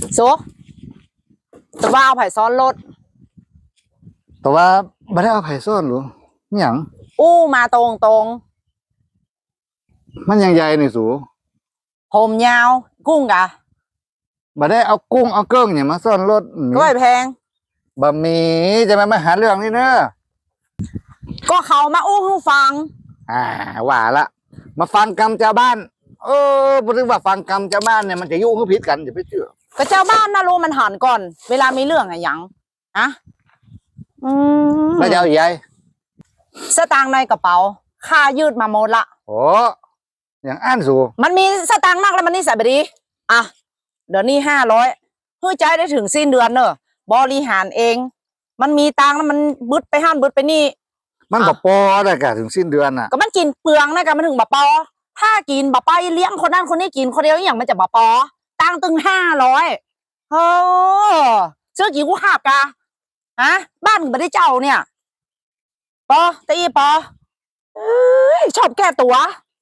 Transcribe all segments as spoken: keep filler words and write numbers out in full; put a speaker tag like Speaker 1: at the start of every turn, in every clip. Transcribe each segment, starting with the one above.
Speaker 1: โซแต่ว่าเอาไผ่ซ้อนรถ
Speaker 2: แต่ว่าไม่ได้เอาไผ่ซ่อนหรอหยัง
Speaker 1: อู้มาตรงตรง
Speaker 2: มันยังใหญ่นี่สู
Speaker 1: ผมยาวกุ้งกะ
Speaker 2: ไม่ได้เอากุ้งเอาเกิ้งเนี่ยมาซ่อนรถ
Speaker 1: ก้อยแพง
Speaker 2: บะหมี่จะมามาหาเรื่องนี่เนอะ
Speaker 1: ก็เขามาอู้ให้ฟัง
Speaker 2: อ่าว่าละมาฟังกรรมชาวบ้านเออพูดถึงว่าฟังกรรมชาวบ้านเนี่ยมันจะยุ่งกับพิษกันอย่าไปเชื่อ
Speaker 1: ก็เจ้าบ้านน่ารู้มันหันก่อนเวลามีเรื่องอะหยังอะอืม
Speaker 2: แล้วจะเอาใหญ่
Speaker 1: สตางค์ในกระเป๋าค่ายืดมาหมดละ
Speaker 2: โอ้อย่างอ่านสู
Speaker 1: มันมีสตางค์มากแล้วมันนี่ใส่ไปดีอ่ะเดี๋ยวนี้ห้าร้อยเพื่อใจได้ถึงสิ้นเดือนเนอะบริหารเอง มันมีตังค์แล้วมันบึดไปห้านบึดไปนี่
Speaker 2: มันบอปอได้กะถึงสิ้นเดือนน่ะ
Speaker 1: ก็มันกินเปลืองนะกันมันถึงบะปอถ้ากินบะไปเลี้ยงคนนั้นคนนี้กินคนเดียวอย่างมันจะบะปอตังตึงห้าร้อยเออเชื่อกี่กูหักกะฮะบ้านไม่ได้เจ้าเนี่ยปอตีปอเอ้ยชอบแก้ตัว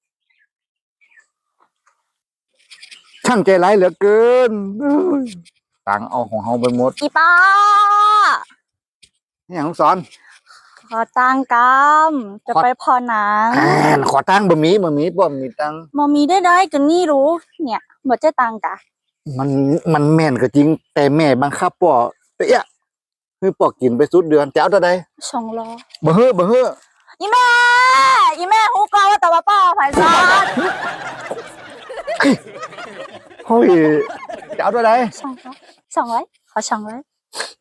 Speaker 2: ช่างใจร้ายเหลือเกินตังเอาของเฮาไปหมด
Speaker 1: อีป้า
Speaker 2: นี่อย่างลูกศร
Speaker 3: ขอตังกำจะไปพอหนัง
Speaker 2: ขอตังบะหมี่บะหมี่ป้อมมีตัง
Speaker 3: มอมีได้ได้กันนี่รู้เนี่ยหมดเจ้ตังกะ
Speaker 2: มันมันแม่นก็จริงแต่แม่บังคับป่อเตี้ยคือป่อกินไปสุดเดือนจะเอาเท่าใด
Speaker 3: สองล้อ
Speaker 2: บ่เฮ้อบ่เฮ้อ
Speaker 1: อีแม่อีแม่ฮู้กอว่าแต่ว่าป้าไผ่ซอน
Speaker 2: เฮ้ยจะเอาเท่าใด
Speaker 3: สองร้อยสองร้อยขอสองร้อย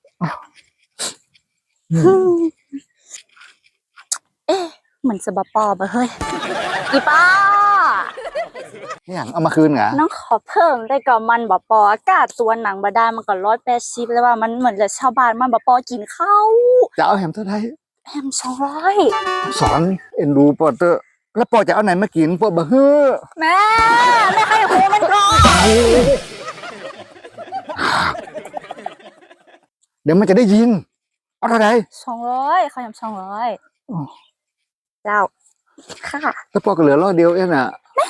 Speaker 3: เอ๊ะเหมือนสบปอบะเฮ้ย
Speaker 1: อีป้า
Speaker 2: นี่อย่างเอามาคืนเหรอ
Speaker 3: น้องขอเพิ่มได้ก่อนมันบปออากาศตัวหนังบาดาลมันก็ร้อยแปดสิบเลยว่ามันเหมือนจะชาวบ้านมันบปอกินข้าว
Speaker 2: จะเอาแฮมเท่าไหร่
Speaker 3: แฮมสองร้อย
Speaker 2: สอนเอ็นดูปอเตอร์แล้วปอจะเอาไหนมากินปอบะเฮ้อ
Speaker 1: แม่แม่ให้หูมันก่อน
Speaker 2: เดี๋ยวมันจะได้ยินเอาเท่าไหร่
Speaker 3: สองร้อยขอแฮมสองร้อยเจ้าค่ะ
Speaker 2: แล้วปอก็เหลือร้อยเดียวเองอ่ะ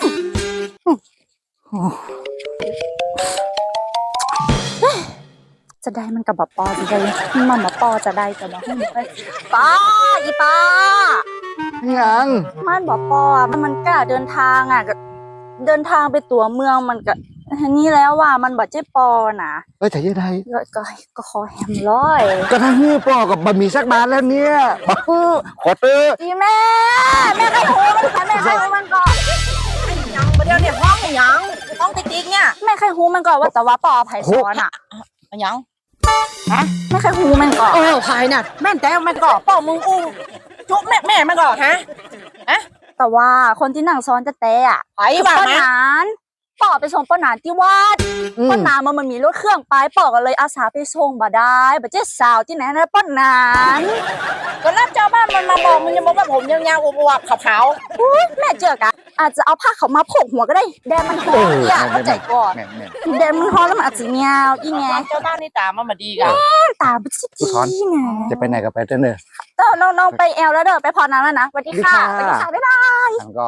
Speaker 3: จะได้มันกับบปอจะได้มันบปอจะได้แต่บอกให้มันไป
Speaker 1: ป้าอีป้า
Speaker 2: ยัง
Speaker 3: มันบปอมันมันกล้าเดินทางอ่ะเดินทางไปตัวเมืองมันก็นี่แล้วว่ามันบอกเจ๊ปอนะ
Speaker 2: เอ้ยแต่ยังไง
Speaker 3: ก็ก็ขอแฮมร้อย
Speaker 2: ก็ทั้งนี้ปอกับบะหมี่สักบาทแล้วเนี่ยบักฟูขอเตอร์
Speaker 1: อีแม่แม่ให้หูมันก่อนแม่ให้หูมันก่อนยังประเดี๋ยวเนี่ยห้องยังห้องติ๊กๆเนี่ย
Speaker 3: แม่ใครหูมันก่อนว่าแต่ว่าปอไผ่ซ้อนอ่ะ
Speaker 1: ยัง
Speaker 3: ฮะแม่ใครหูมันก่อน
Speaker 1: เออไผ่น่ะแม่แต่มันก่อนปอมึงอู้จุ๊บแม่แม่มันก่อนฮะฮะ
Speaker 3: แต่ว่าคนที่นั่งซ้อนจะเตะอ่ะ
Speaker 1: ไผ่บ้า
Speaker 3: ป้านานปอไปส่งป้านานที่วัดป้านานมันมันมีรถเครื่องไปปอก็เลยอาสาไปส่งบ่ได้บ่เจ๊สาวที่ไหนนะป้านาน
Speaker 1: ก็รับเจ้าบ้านมันมาบอกมันจะบอกว่าผมยาวๆอวบๆขาว
Speaker 3: ๆแม่เจอกะอาจจะเอาผ้าเขามาโผกหัวก็ได้แดงมันหอมเนี่ยเข้าใจก่อนแดงมันหอมแล้วมันอาจจะเงาอีไง
Speaker 1: เจ้าบ้านนี่ตามันมาดีกัน
Speaker 3: ตาบิ๊กซี่ไง
Speaker 2: จะไปไหนก็ไปเถอะเนอะ
Speaker 3: น้องน้องไปแอลแล้วเด้อไปพอนั้นแล้วนะสวัสดีค่ะสวัสดีค่ะบ๊ายบาย
Speaker 2: ก็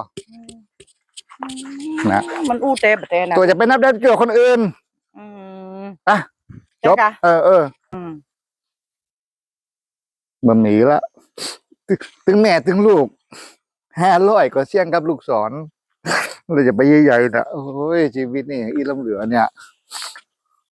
Speaker 2: นะ
Speaker 1: มันอู้เตะเตะนะ
Speaker 2: ตัวจะไปนับได้เกี่ยวคนอื่น
Speaker 1: อืม
Speaker 2: อ่ะจบเออเออมันหนีละตึงแม่ตึงลูกห้าร้อยก็เสี่ยงกับลูกศรเราจะไปใหญ่ๆนะโอ้ยชีวิตนี่อีลำเหลือเนี่ย